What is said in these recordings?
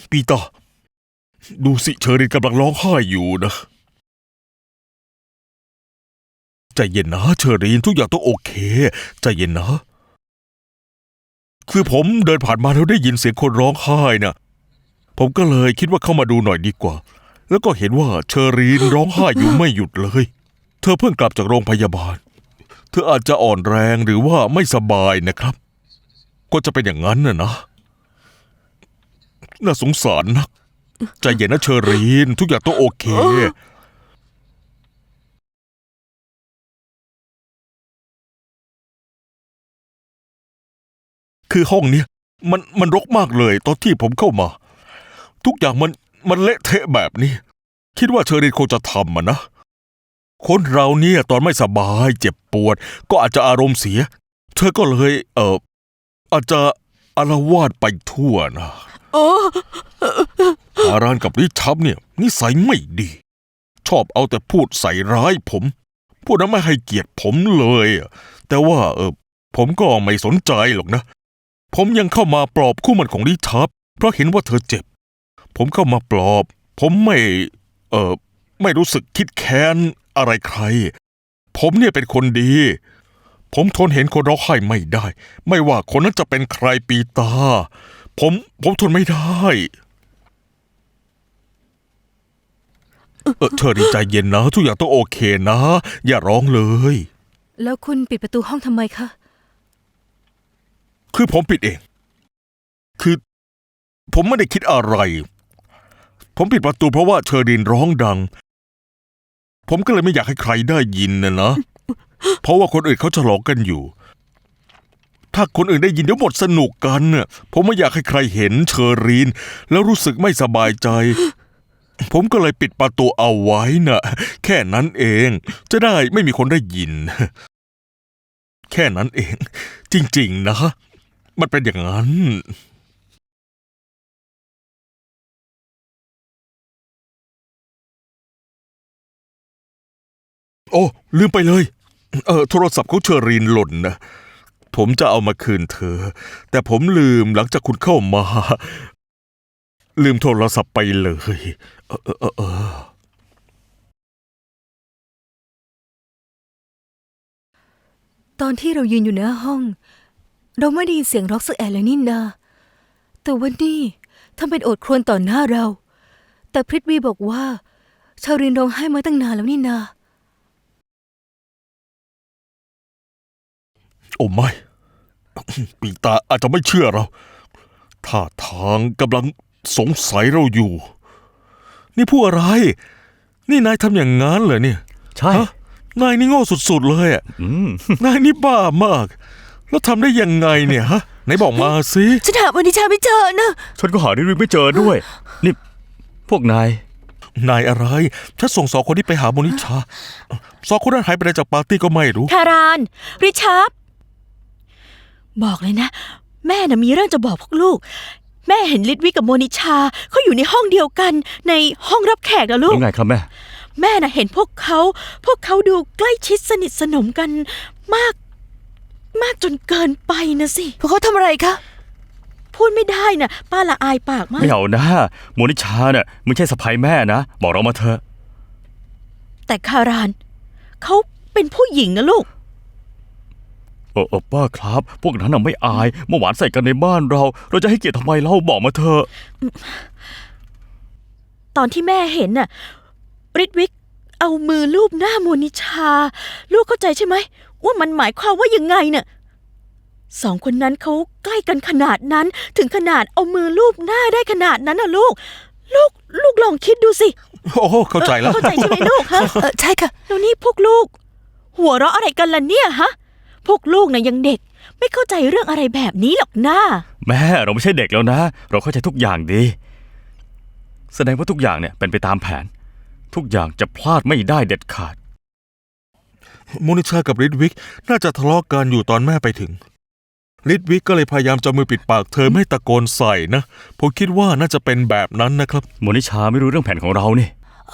ปีเตอร์ดูสิเชอรินกำลังร้องไห้อยู่นะใจเย็นนะเชอรินทุกอย่างต้องโอเคใจเย็นนะคือผมเดินผ่านมาแล้วได้ยินเสียงคนร้องไห้นะผมก็เลยคิดว่าเข้ามาดูหน่อยดีกว่าแล้วก็เห็นว่าเชอรีนร้องไห้อยู่ไม่หยุดเลยเธอเพิ่งกลับจากโรงพยาบาลเธออาจจะอ่อนแรงหรือว่าไม่สบายนะครับก็จะเป็นอย่างนั้นนะน่าสงสารนักใจเย็นนะเชอรีนทุกอย่างต้องโอเคคือห้องเนี้ยมันรกมากเลยตอนที่ผมเข้ามาทุกอย่างมันเละเทะแบบนี้คิดว่าเชอรีนคงจะทำนะคนเราเนี่ยตอนไม่สบายเจ็บปวดก็อาจจะอารมณ์เสียเธอก็เลยอาจจะอาละวาดไปทั่วนะฮารานกับริชับเนี่ยนิสัยไม่ดีชอบเอาแต่พูดใส่ร้ายผมพูดนั้นไม่ให้เกียรติผมเลยแต่ว่าผมก็ไม่สนใจหรอกนะผมยังเข้ามาปลอบคู่หมั่นของริชับเพราะเห็นว่าเธอเจ็บผมเข้ามาปลอบผมไม่รู้สึกคิดแค้นอะไรใครผมเนี่ยเป็นคนดีผมทนเห็นคนร้องไห้ไม่ได้ไม่ว่าคนนั้นจะเป็นใครปีตาผมทนไม่ได้เธอดีใจเย็นนะทุกอย่างต้องโอเคนะอย่าร้องเลยแล้วคุณปิดประตูห้องทำไมคะคือผมปิดเองคือผมไม่ได้คิดอะไรผมปิดประตูเพราะว่าเชอรีนร้องดังผมก็เลยไม่อยากให้ใครได้ยินนะเพราะว่าคนอื่นเขาฉลองกันอยู่ถ้าคนอื่นได้ยินเดี๋ยวหมดสนุกกันน่ะผมไม่อยากให้ใครเห็นเชอรีนแล้วรู้สึกไม่สบายใจผมก็เลยปิดประตูเอาไว้น่ะแค่นั้นเองจะได้ไม่มีคนได้ยินแค่นั้นเองจริงๆนะมันเป็นอย่างนั้นโอ้ลืมไปเลยโทรศัพท์ของเชอรีนหล่นนะผมจะเอามาคืนเธอแต่ผมลืมหลังจากคุณเข้ามาลืมโทรศัพท์ไปเลยตอนที่เรายืนอยู่หน้าห้องเราไม่ได้ยินเสียงร็อกสักแอะเลยนี่นาแต่วันนี้ทำเป็นโอดครวญต่อหน้าเราแต่พริตวีบอกว่าชารินร้องไห้มาตั้งนานแล้วนี่นาโอ้ไม่ปีตาอาจจะไม่เชื่อเราท่าทางกำลังสงสัยเราอยู่นี่พูดอะไรนี่นายทำอย่างงั้นเหรอเนี่ยใช่นายนี่โง่สุดๆเลยอ่ะนายนี่บ้ามากแล้วทำได้ยังไงเนี่ยฮะไหนบอกมาสิฉันหาวันนี้ชาไม่เจอนะฉันก็หาดิริไม่เจอด้วยนี่พวกนายอะไรฉันส่ง2 คนที่ไปหาโมนิชา2 คนนั้นหายไปไหนจากปาร์ตี้ก็ไม่รู้คารานริชาร์ดบอกเลยนะแม่น่ะมีเรื่องจะบอกพวกลูกแม่เห็นลิดวิกับโมนิชาเขาอยู่ในห้องเดียวกันในห้องรับแขกนะลูกยังไงครับแม่น่ะเห็นพวกเขาดูใกล้ชิดสนิทสนมกันมากจนเกินไปนะสิพวกเขาทำอะไรคะพูดไม่ได้น่ะป้าละอายปากมากไม่เอานะโมนิชาเนี่ยไม่ใช่สะใภ้แม่นะบอกเรามาเถอะแต่คารานเขาเป็นผู้หญิงนะลูกป้าครับพวกนั้นน่ะไม่อายเมื่อวานใส่กันในบ้านเราจะให้เกียรติทำไมเล่าบอกมาเถอะตอนที่แม่เห็นน่ะริดวิกเอามือลูบหน้าโมนิชาลูกเข้าใจใช่ไหมว่ามันหมายความว่ายังไงน่ะ2 คนนั้นเขาใกล้กันขนาดนั้นถึงขนาดเอามือลูบหน้าได้ขนาดนั้นน่ะลูกลองคิดดูสิโอ้เข้าใจแล้วเข้าใจใช่ไหมลูกฮะใช่ค่ะแล้วนี่พวกลูกหัวเราะอะไรกันล่ะเนี่ยฮะพวกลูกน่ะยังเด็กไม่เข้าใจเรื่องอะไรแบบนี้หรอกนะแม่เราไม่ใช่เด็กแล้วนะเราเข้าใจทุกอย่างดีแสดงว่าทุกอย่างเนี่ยเป็นไปตามแผนทุกอย่างจะพลาดไม่ได้เด็ดขาดโมนิชากับริดวิกน่าจะทะเลาะกันอยู่ตอนแม่ไปถึงริดวิกก็เลยพยายามจะมือปิดปากเธอไม่ตะโกนใส่นะผมคิดว่าน่าจะเป็นแบบนั้นนะครับโมนิชาไม่รู้เรื่องแผนของเรานี่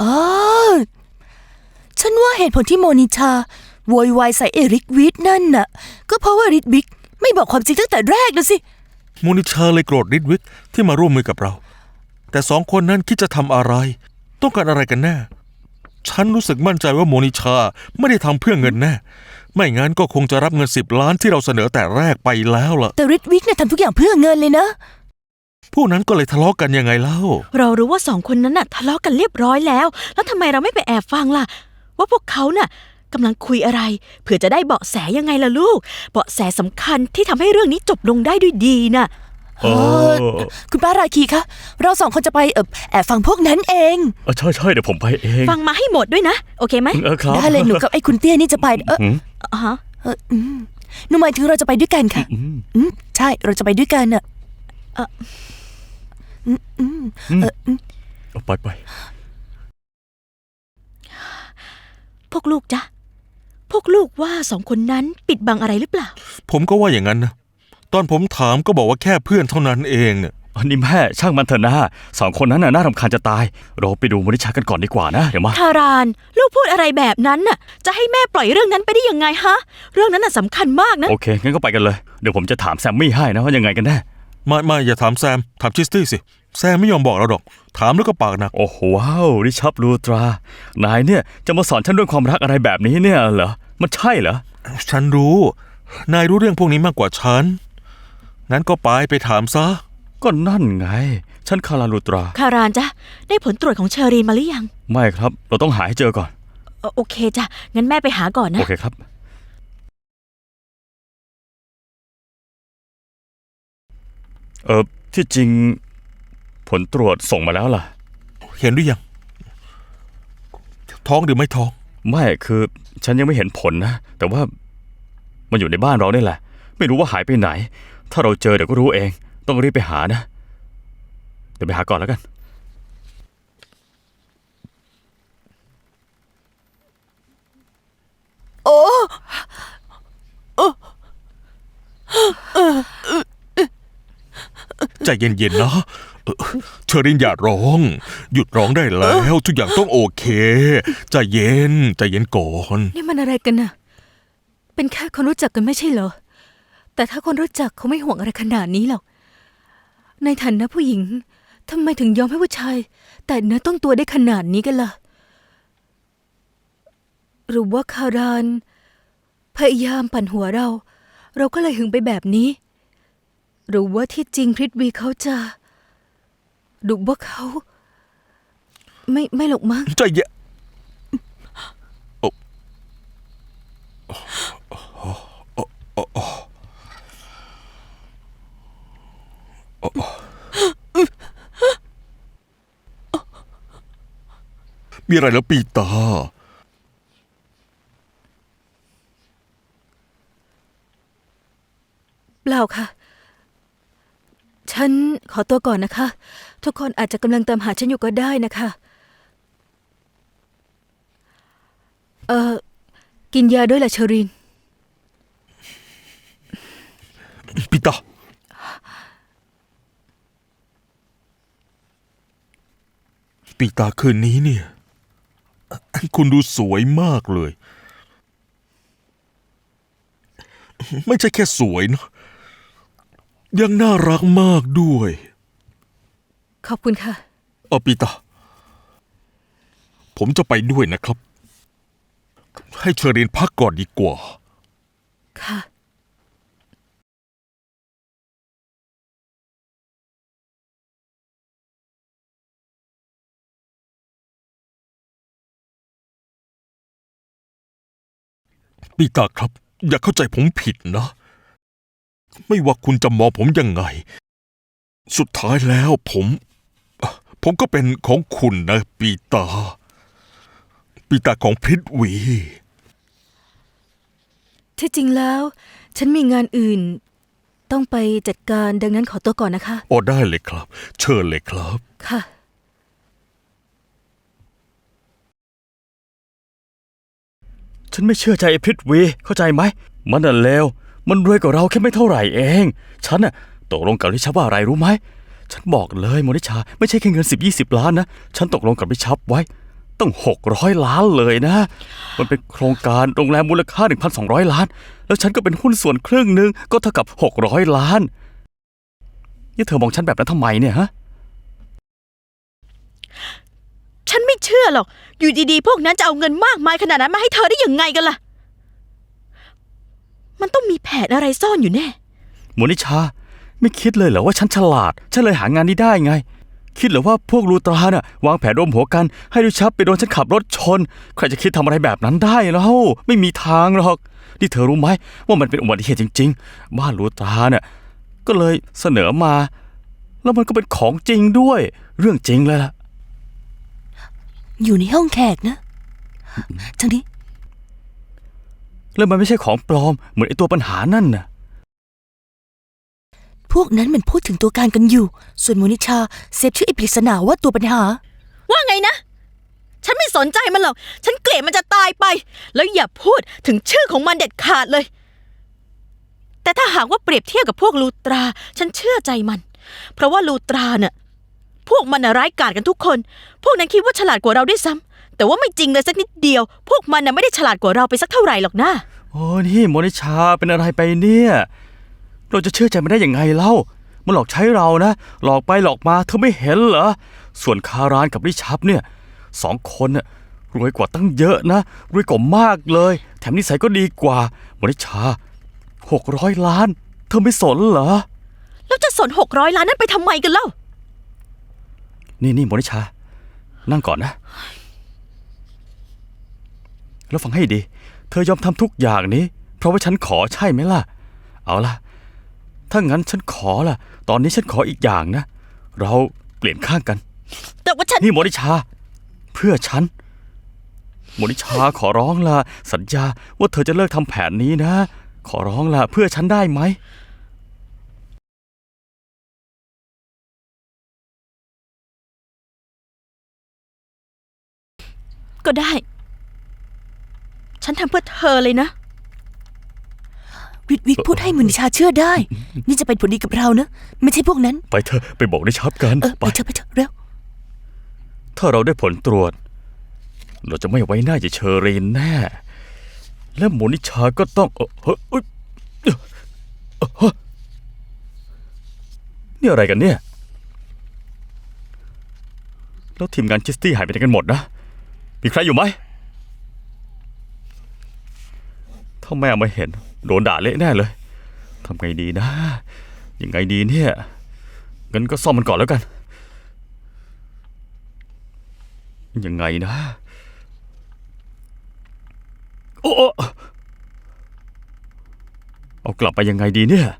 ฉันว่าเหตุผลที่โมนิชาโวยวายใส่เอริกวิทนั่นน่ะก็เพราะว่าริดวิกไม่บอกความจริงตั้งแต่แรกนะสิโมนิชาเลยโกรธริดวิกที่มาร่วมมือกับเราแต่สองคนนั้นคิดจะทำอะไร ต้องการอะไรกันแน่ ฉันรู้สึกมั่นใจว่าโมนิชาไม่ได้ทำเพื่อเงินแน่ ไม่งั้นก็คงจะรับเงิน10 ล้านที่เราเสนอแต่แรกไปแล้วล่ะแต่ริดวิกเนี่ยทำทุกอย่างเพื่อเงินเลยนะผู้นั้นก็เลยทะเลาะกันยังไงเล่าเรารู้ว่าสองคนนั้นน่ะทะเลาะกันเรียบร้อยแล้ว แล้วทำไมเราไม่ไปแอบฟังล่ะ ว่าพวกเขาน่ะกำลังคุยอะไรเผื่อจะได้เบาะแสยังไงล่ะลูก เบาะแสสำคัญที่ทำให้เรื่องนี้จบลงได้ด้วยดีน่ะเออคุณป้าราคีคะเรา2 คนจะไปแอบฟังพวกนั้นเองใช่เดี๋ยวผมไปเองฟังมาให้หมดด้วยนะ โอเคไหมครับได้เลยหนูกับไอ้คุณเตี้ยนี่จะไปหืมอ๋อฮะหนูหมายถึงเราจะไปด้วยกันค่ะ ใช่เราจะไปด้วยกันอะเอาไปพวกลูกจ๊ะพวกลูกว่าสองคนนั้นปิดบังอะไรหรือเปล่าผมก็ว่าอย่างนั้นนะตอนผมถามก็บอกว่าแค่เพื่อนเท่านั้นเองเนี่ยอันนี้แม่ช่างมันเถอะนะสองคนนั้นน่ะน่ารำคาญจะตาย เราไปดูมนิชากันก่อนดีกว่านะเดี๋ยวมาทารานลูกพูดอะไรแบบนั้นน่ะ จะให้แม่ปล่อยเรื่องนั้นไปได้ยังไงฮะ เรื่องนั้นน่ะสำคัญมากนะโอเคงั้นก็ไปกันเลยเดี๋ยวผมจะถามแซมมี่ให้นะว่ายังไงกันแน่ไม่อย่าถามแซมถามชิสตี้สิแซมไม่ยอมบอกเราหรอกถามแล้วก็ปากหนักโอ้โหว้าวริชับลูตรานายเนี่ยจะมาสอนฉันเรื่องความรักอะไรแบบนี้เนี่ยเหรอมันใช่เหรอฉันรู้นายรู้เรื่องพวกนี้มากกว่าฉันงั้นก็ไปถามซะก็นั่นไงฉันคาราลูตราคารานจ๊ะได้ผลตรวจของเชอรีนมาหรือยังไม่ครับเราต้องหาให้เจอก่อนโอเคจ้ะงั้นแม่ไปหาก่อนนะโอเคครับที่จริงผลตรวจส่งมาแล้วล่ะเห็นหรือยังท้องหรือไม่ท้องไม่คือฉันยังไม่เห็นผลนะแต่ว่ามันอยู่ในบ้านเราเนี่ยแหละไม่รู้ว่าหายไปไหน ถ้าเราเจอเดี๋ยวก็รู้เองต้องรีบไปหานะเดี๋ยวไปหาก่อนแล้วกันโอ้ใจเย็นๆนะเชอรินอย่าร้อง หยุดร้องได้แล้วทุกอย่างต้องโอเคใจเย็นก่อนนี่มันอะไรกันน่ะ เป็นแค่คนรู้จักกันไม่ใช่เหรอ แต่ถ้าคนรู้จักเขาไม่ห่วงอะไรขนาดนี้หรอก ในฐานะผู้หญิงทำไมถึงยอมให้ผู้ชาย แต่เนื้อต้องตัวได้ขนาดนี้กันล่ะ หรือว่าคารานพยายามปั่นหัวเราก็เลยหึงไปแบบนี้ หรือว่าที่จริงพริตวีเขาจะดูว่าเขาไม่หรอกมั้งใจเย็นมีอะไรแล้วปีตาเปล่าค่ะ ฉันขอตัวก่อนนะคะ ทุกคนอาจจะกำลังตามหาฉันอยู่ก็ได้นะคะ กินยาด้วยล่ะเชอรีนปีตาปีตาคืนนี้เนี่ย คุณดูสวยมากเลย ไม่ใช่แค่สวยนะยังน่ารักมากด้วยขอบคุณค่ะปีตาผมจะไปด้วยนะครับ ให้เชอรีนพักก่อนดีกว่าค่ะปีตาครับ อย่าเข้าใจผมผิดนะ ไม่ว่าคุณจะมองผมยังไง สุดท้ายแล้วผมก็เป็นของคุณนะปีตาของพริตวีที่จริงแล้ว ฉันมีงานอื่น ต้องไปจัดการดังนั้นขอตัวก่อนนะคะได้เลยครับ เชิญเลยครับค่ะฉันไม่เชื่อใจไอ้พริตวีเข้าใจไหมมันน่ะเลวมันรวยกว่าเราแค่ไม่เท่าไหร่เองฉันน่ะตกลงกับริชับว่าอะไรรู้ไหมฉันบอกเลยโมนิชาไม่ใช่แค่เงิน10-20 ล้านนะฉันตกลงกับริชับไว้ต้อง600 ล้านเลยนะมันเป็นโครงการโรงแรมมูลค่า 1,200 ล้านแล้วฉันก็เป็นหุ้นส่วนครึ่งหนึ่งก็เท่ากับ600 ล้านนี่เธอมองฉันแบบนั้นทำไมเนี่ยฮะชื่อหรอก อยู่ดีๆ พวกนั้นจะเอาเงินมากมายขนาดนั้นมาให้เธอได้ยังไงกันล่ะ มันต้องมีแผนอะไรซ่อนอยู่แน่โมนิชา ไม่คิดเลยเหรอว่าฉันฉลาด ฉันเลยหางานนี้ได้ไง คิดเหรอว่าพวกลูตราน่ะวางแผนร่วมหัวกันให้ริชับไปโดนฉันขับรถชน ใครจะคิดทำอะไรแบบนั้นได้แล้วไม่มีทางหรอกนี่เธอรู้ไหมว่ามันเป็นอุบัติเหตุจริงๆบ้านลูตราเนี่ยก็เลยเสนอมา แล้วมันก็เป็นของจริงด้วย เรื่องจริงเลยล่ะอยู่ในห้องแขกนะทางนี้แล้วมันไม่ใช่ของปลอมเหมือนไอตัวปัญหานั่นน่ะพวกนั้นมันพูดถึงตัวการกันอยู่ ส่วนโมนิชาเซฟชื่อไอ้ปริศนาว่าตัวปัญหาว่าไงนะ ฉันไม่สนใจมันหรอก ฉันเกลียดมันจะตายไป แล้วอย่าพูดถึงชื่อของมันเด็ดขาดเลย แต่ถ้าหากว่าเปรียบเทียบกับพวกลูตรา ฉันเชื่อใจมัน เพราะว่าลูตราเนี่ยพวกมันน่ะร้ายกาจกันทุกคน พวกนั้นคิดว่าฉลาดกว่าเราด้วยซ้ำแต่ว่าไม่จริงเลยสักนิดเดียว พวกมันน่ะไม่ได้ฉลาดกว่าเราไปสักเท่าไหร่หรอกนะโอ้นี่โมนิชาเป็นอะไรไปเนี่ย เราจะเชื่อใจมันได้ยังไงเล่า มันหลอกใช้เรานะ หลอกไปหลอกมาเธอไม่เห็นเหรอ ส่วนคารานกับริชับเนี่ย2 คนน่ะรวยกว่าตั้งเยอะนะรวยกว่ามากเลย แถมนิสัยก็ดีกว่าโมนิชา600 ล้าน เธอไม่สนเหรอแล้วจะสน600 ล้านนั้นไปทำไมกันเล่านี่โมนิชา นั่งก่อนนะ แล้วฟังให้ดี เธอยอมทำทุกอย่างนี้ เพราะว่าฉันขอใช่ไหมล่ะ เอาล่ะ ถ้างั้นฉันขอล่ะ ตอนนี้ฉันขออีกอย่างนะ เราเปลี่ยนข้างกันแต่ว่าฉันนี่โมนิชา เพื่อฉัน โมนิชาขอร้องล่ะ สัญญาว่าเธอจะเลิกทำแผนนี้นะ ขอร้องล่ะ เพื่อฉันได้ไหมก็ได้ ฉันทำเพื่อเธอเลยนะวิทวิกพูดให้โมนิชาเชื่อได้ นี่จะเป็นผลดีกับเรานะ ไม่ใช่พวกนั้นไปเถอะไปบอกริชับกันไปเถอะเร็วถ้าเราได้ผลตรวจ เราจะไม่ไว้หน้าจะเชอรีนแน่ และโมนิชาก็ต้องนี่อะไรกันเนี่ย แล้วทีมงานคิสตี้หายไปไหนกันหมดนะ มีใครอยู่ไหม ถ้าแม่มาเห็น โดนด่าเละแน่เลย ทำไงดีนะ ยังไงดีเนี่ยงั้นก็ซ่อมมันก่อนแล้วกัน ยังไงนะ โอ้เอากลับไปยังไงดีเนี่ย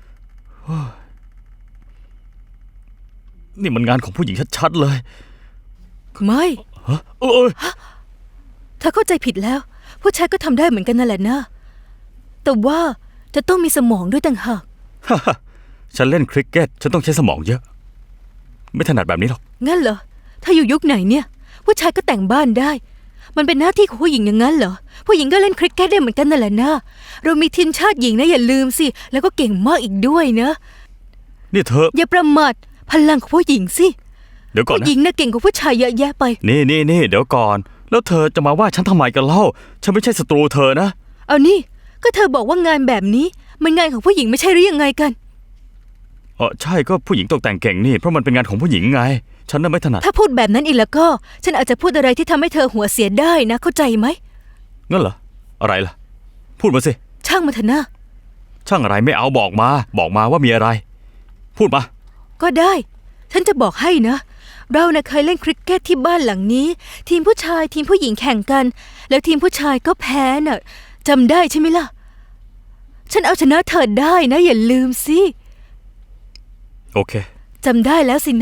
นี่มันงานของผู้หญิงชัดๆเลยไม่ฮะเธอเข้าใจผิดแล้ว ผู้ชายก็ทำได้เหมือนกันนั่นแหละนะ แต่ว่าจะต้องมีสมองด้วยต่างหากฉันเล่นคริกเก็ต ฉันต้องใช้สมองเยอะ ไม่ถนัดแบบนี้หรอกงั้นเหรอ ถ้าอยู่ยุคไหนเนี่ย ผู้ชายก็แต่งบ้านได้ มันเป็นหน้าที่ของผู้หญิงอย่างนั้นเหรอ ผู้หญิงก็เล่นคริกเก็ตได้เหมือนกันนั่นแหละนะ เรามีทีมชาติหญิงนะอย่าลืมสิ แล้วก็เก่งมากอีกด้วยนะนี่เธออย่าประมาทพลังของผู้หญิงสิเดี๋ยวก่อนผู้นะหญิงน่ะเก่งกว่าผู้ชายเยอะแยะไปนี่เดี๋ยวก่อน แล้วเธอจะมาว่าฉันทำไมกันเล่า ฉันไม่ใช่ศัตรูเธอนะเอานี่ ก็เธอบอกว่างานแบบนี้ มันงานของผู้หญิงไม่ใช่หรือยังไงกันใช่ก็ผู้หญิงตกแต่งเก่งนี่ เพราะมันเป็นงานของผู้หญิงไง ฉันน่ะไม่ถนัดถ้าพูดแบบนั้นอีกแล้วก็ ฉันอาจจะพูดอะไรที่ทำให้เธอหัวเสียได้นะ เข้าใจไหมงั้นเหรอ อะไรล่ะ พูดมาสิช่างมาเถอะนะช่างอะไรไม่เอาบอกมาว่ามีอะไร พูดมาก็ได้ ฉันจะบอกให้นะ เราน่ะเคยเล่นคริกเก็ตที่บ้านหลังนี้ ทีมผู้ชายทีมผู้หญิงแข่งกัน แล้วทีมผู้ชายก็แพ้น่ะจำได้ใช่ไหมล่ะ ฉันเอาชนะเธอได้นะ อย่าลืมสิโอเคจำได้แล้วสินะ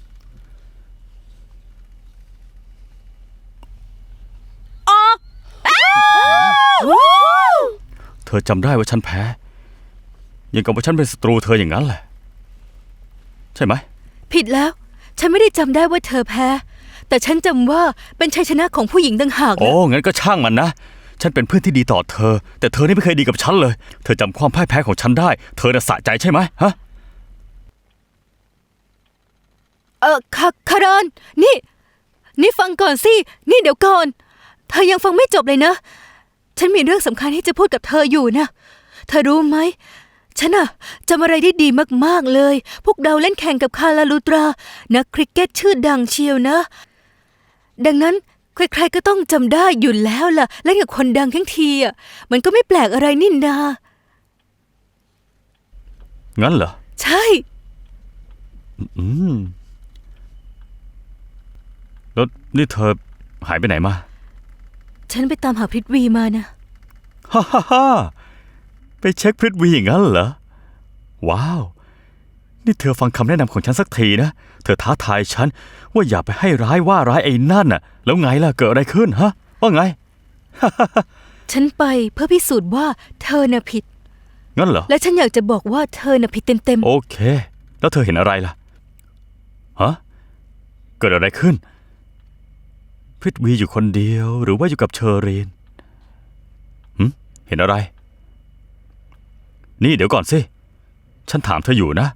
เธอจำได้ว่าฉันแพ้ยังกับว่าฉันเป็นศัตรูเธออย่างนั้นแหละ ใช่ไหมผิดแล้ว ฉันไม่ได้จำได้ว่าเธอแพ้ แต่ฉันจำว่าเป็นชัยชนะของผู้หญิงต่างหากโอ้นะงั้นก็ช่างมันนะ ฉันเป็นเพื่อนที่ดีต่อเธอ แต่เธอนี่ไม่เคยดีกับฉันเลย เธอจำความพ่ายแพ้ของฉันได้ เธอน่ะสะใจใช่ไหมฮะคารอนนี่ฟังก่อนสิ นี่เดี๋ยวก่อน เธอยังฟังไม่จบเลยนะ ฉันมีเรื่องสำคัญที่จะพูดกับเธออยู่นะ เธอรู้ไหม ฉันอะจำอะไรได้ดีมากๆเลย พวกเราเล่นแข่งกับคาราลูตรา นักคริกเก็ตชื่อดังเชียวนะดังนั้นใครๆก็ต้องจำได้อยู่แล้วล่ะ และกับคนดังทั้งทีอ่ะมันก็ไม่แปลกอะไรนี่นางั้นเหรอใช่อืมแล้วนี่เธอหายไปไหนมาฉันไปตามหาพริตวีมานะฮ่าฮ่าฮ่าไปเช็คพริตวีอย่างนั้นเหรอ ว้าว นี่เธอฟังคำแนะนำของฉันสักทีนะ เธอท้าทายฉันว่าอย่าไปให้ร้ายว่าร้ายไอ้นั่นน่ะ แล้วไงล่ะเกิดอะไรขึ้นฮะ ว่าไงฉันไปเพื่อพิสูจน์ว่าเธอน่ะผิดงั้นเหรอและฉันอยากจะบอกว่าเธอน่ะผิดเต็มโอเค แล้วเธอเห็นอะไรล่ะ ฮะ เกิดอะไรขึ้น พริตวีอยู่คนเดียวหรือว่าอยู่กับเชอรีนเห็นอะไร นี่เดี๋ยวก่อนสิ ฉันถามเธออยู่นะ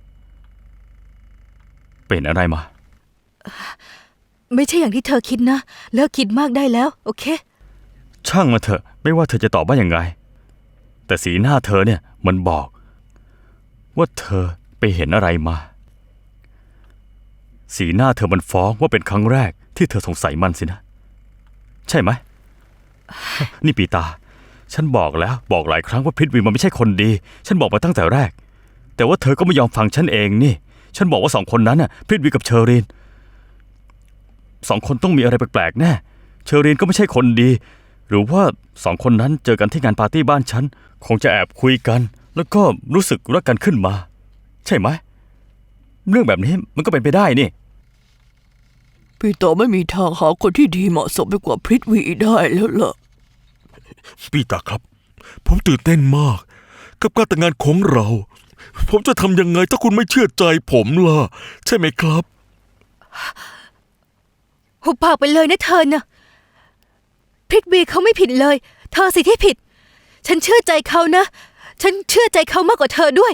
เป็นอะไรมาๆ ไม่ใช่อย่างที่เธอคิดนะ เลิกคิดมากได้แล้ว โอเคช่างมาเถอะ ไม่ว่าเธอจะตอบว่ายังไง แต่สีหน้าเธอเนี่ยมันบอก ว่าเธอไปเห็นอะไรมา สีหน้าเธอมันฟ้องว่าเป็นครั้งแรกที่เธอสงสัยมันสินะ ใช่ไหม นี่ปีตา ฉันบอกแล้วบอกหลายครั้งว่าพริตวีมันไม่ใช่คนดี ฉันบอกมาตั้งแต่แรก แต่ว่าเธอก็ไม่ยอมฟังฉันเองนี่ ฉันบอกว่า2 คนนั้นน่ะพริตวีกับเชอรีน2 คนต้องมีอะไรแปลกๆแน่ เชอรีนก็ไม่ใช่คนดี หรือว่า2 คนนั้นเจอกันที่งานปาร์ตี้บ้านฉันคงจะแอบคุยกัน แล้วก็รู้สึกรักกันขึ้นมา ใช่ไหม เรื่องแบบนี้มันก็เป็นไปได้นี่พี่ต่อไม่มีทางหาคนที่ดีเหมาะสมไปกว่าพริตวีได้แล้วล่ะพี่ตาครับ ผมตื่นเต้นมาก กับการแต่งงานของเรา ผมจะทำยังไงถ้าคุณไม่เชื่อใจผมล่ะ ใช่ไหมครับหุบปากไปเลยนะเธอน่ะพริตวีเขาไม่ผิดเลย เธอสิที่ผิด ฉันเชื่อใจเขานะ ฉันเชื่อใจเขามากกว่าเธอด้วย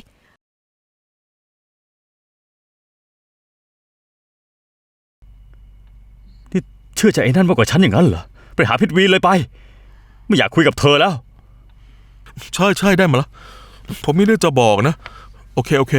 นี่เชื่อใจไอ้นั่นมากกว่าฉันอย่างนั้นเหรอ ไปหาพริตวีเลยไป ไม่อยากคุยกับเธอแล้วใช่ใช่ได้มาแล้ว ผมมีเรื่องจะบอกนะ โอเคโอเค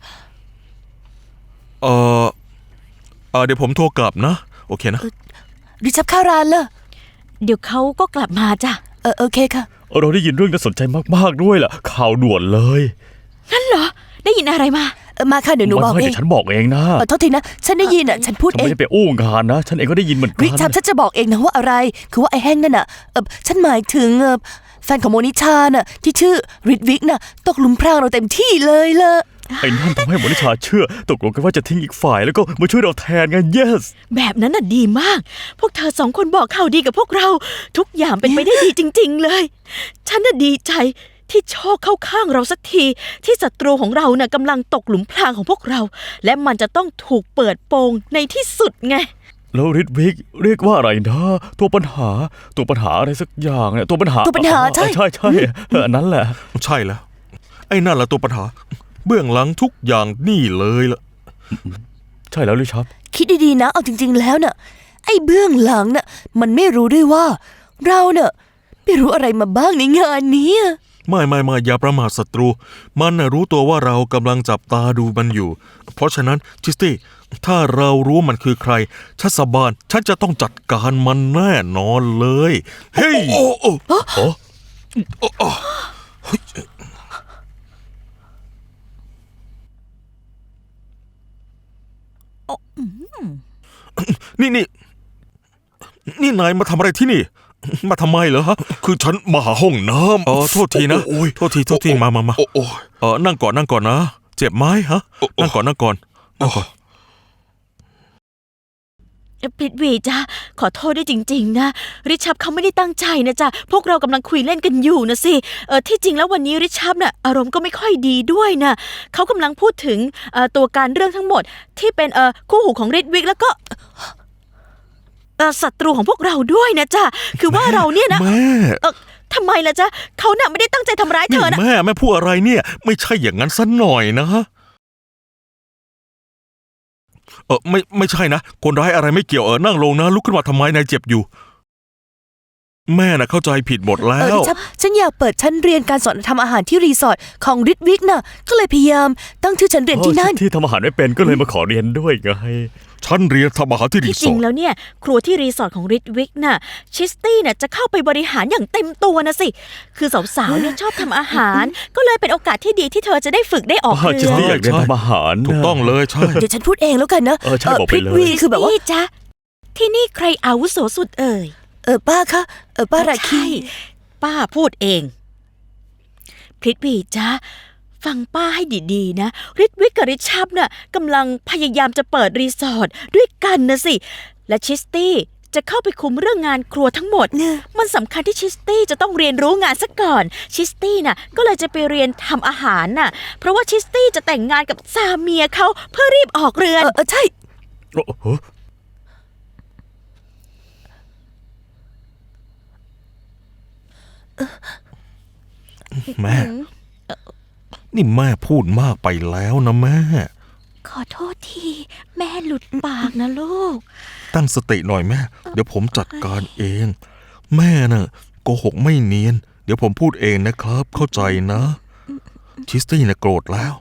เดี๋ยวผมโทรกลับนะ โอเคนะริชับข้าวรานล่ะเดี๋ยวเขาก็กลับมาจ้ะโอเคค่ะเราได้ยินเรื่องน่าสนใจมากๆด้วยล่ะ ข่าวด่วนเลยงั้นเหรอ ได้ยินอะไรมามาค่ะเดี๋ยวหนูบอกไม่เอแต่งฉันบอกเองนะโทษทีนะ ฉันได้ยินฉันพูดฉันเอไม่งได้ไปอู้งานนะ ฉันเองก็ได้ยินเหมือนกัริชับฉันจะบอกเองนะว่าอะไร คือว่าไอ้แห้งนั่นฉันหมายถึงแฟนของโมนิชาน่ะที่ชื่อริดวิกน่ะตกหลุมพรางเราเต็มที่เลยล่ะไอ้นั่นทำให้มนิชาเชื่อ ตกลงกันว่าจะทิ้งอีกฝ่ายแล้วก็มาช่วยเราแทนไง yes แบบนั้นน่ะดีมาก พวกเธอ2 คนบอกข่าวดีกับพวกเรา ทุกอย่างเป็นไปได้ดีจริง ๆ เลย ฉันน่ะดีใจที่โชคเข้าข้างเราสักที ที่ศัตรูของเราน่ะกำลังตกหลุมพรางของพวกเรา และมันจะต้องถูกเปิดโปงในที่สุดไงแล้วริดวิกเรียกว่าอะไรนะ ตัวปัญหาอะไรสักอย่างเนี่ยตัวปัญหาตัวปัญหาใช่ใช่อันนั้นแหละใช่แล้ว ไอ้นั่นแหละตัวปัญหา เบื้องหลังทุกอย่างนี่เลยล่ะใช่แล้วลิชับคิดดีๆนะเอาจริง ๆ แล้วน่ะไอ้เบื้องหลังน่ะมันไม่รู้ด้วยว่า เราน่ะไม่รู้อะไรมาบ้างในงานนี้ไม่อย่าประมาทศัตรู มันน่ะรู้ตัวว่าเรากำลังจับตาดูมันอยู่ เพราะฉะนั้นจิสตี้ถ้าเรารู้มันคือใครชัสบานฉันจะต้องจัดการมันแน่นอนเลย เฮ้ยโอ้ นี่นายมาทำอะไรที่นี่ มาทำไมเหรอฮะ คือฉันมาหาห้องน้ำโทษทีนะโทษทีมานั่งก่อนนะ เจ็บไหมฮะ นั่งก่อนพริตวีจ้ะขอโทษด้วยจริงๆนะริชับเขาไม่ได้ตั้งใจนะจ๊ะพวกเรากำลังคุยเล่นกันอยู่นะสิที่จริงแล้ววันนี้ริชับน่ะอารมณ์ก็ไม่ค่อยดีด้วยนะเขากำลังพูดถึงตัวการเรื่องทั้งหมดที่เป็นคู่หูของริดวิกแล้วก็ศัตรูของพวกเราด้วยนะจ๊ะคือว่าเราเนี่ยนะแม่ทำไมล่ะจ๊ะเขาน่ะไม่ได้ตั้งใจทำร้ายเธนี่อนะแม่พูดอะไรเนี่ย ไม่ใช่อย่างนั้นซะหน่อยนะไม่ใช่นะคนร้ายอะไรไม่เกี่ยวนั่งลงนะลุกขึ้นมาทำไมนายเจ็บอยู่ แม่น่ะเข้าใจผิดหมดแล้ริวชับฉันอยากเปิดชั้นเรียนการสอนทำอาหารที่รีสอร์ทของริดวิกน่ะก็เลยพยายามตั้งชื่อชั้นเรียนที่นั่นที่ทำอาหารไม่เป็นก็เลยมาขอเรียนด้วยไงฉันเรียนทำอาหารที่รีที่สจริอง ร์ทแล้วเนี่ย ครัวที่รีสอร์ทของริดวิกน่ะชิสตี้น่ะจะเข้าไปบริหารอย่างเต็มตัวนะสิ คือสาวๆเนี่ยชอบทำอาหาร ก็เลยเป็นโอกาสที่ดีที่เธอจะได้ฝึกได้ออกจิเรืสอตี้อยากเรียนทำอาหารถูกต้องเลยใช่เดี๋ยวฉันพูดเองแล้วกันนะใช่บอกไปเลยพริตวีคือแบบว่านี่จ๊ะที่นี่ใครอาวุโสสุดเอ่ยป้าคะป้าราคีใช่ป้าพูดเองพริตวีจ๊ะฟังป้าให้ดีๆนะริดวิกกับริชับน่ะกำลังพยายามจะเปิดรีสอร์ทด้วยกันนะสิ และชิสตี้จะเข้าไปคุมเรื่องงานครัวทั้งหมดเนี่ยมันสำคัญที่ชิสตี้จะต้องเรียนรู้งานซะก่อน ชิสตี้น่ะก็เลยจะไปเรียนทำอาหารน่ะ เพราะว่าชิสตี้จะแต่งงานกับซาเมียเขาเพื่อรีบออกเรือนใช่โอ้โหแม่ นี่แม่พูดมากไปแล้วนะแม่ขอโทษทีแม่หลุดปากนะลูกตั้งสติหน่อยแม่ เดี๋ยวผมจัดการเอง แม่น่ะโกหกไม่เนียน เดี๋ยวผมพูดเองนะครับ เข้าใจนะ ชิสตี้น่ะโกรธแล้ว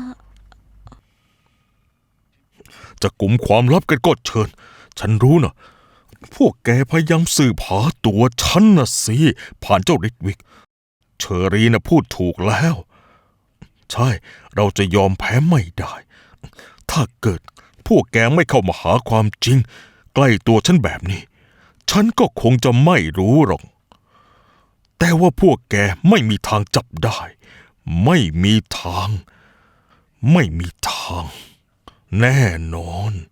จะกุมความลับกันก็เชิญ ฉันรู้นะพวกแกพยายามสืบหาตัวฉันนะสิ ผ่านเจ้าริดวิก เชอรีน่ะพูดถูกแล้ว ใช่ เราจะยอมแพ้ไม่ได้ ถ้าเกิดพวกแกไม่เข้ามาหาความจริง ใกล้ตัวฉันแบบนี้ ฉันก็คงจะไม่รู้หรอก แต่ว่าพวกแกไม่มีทางจับได้ ไม่มีทาง ไม่มีทาง แน่นอน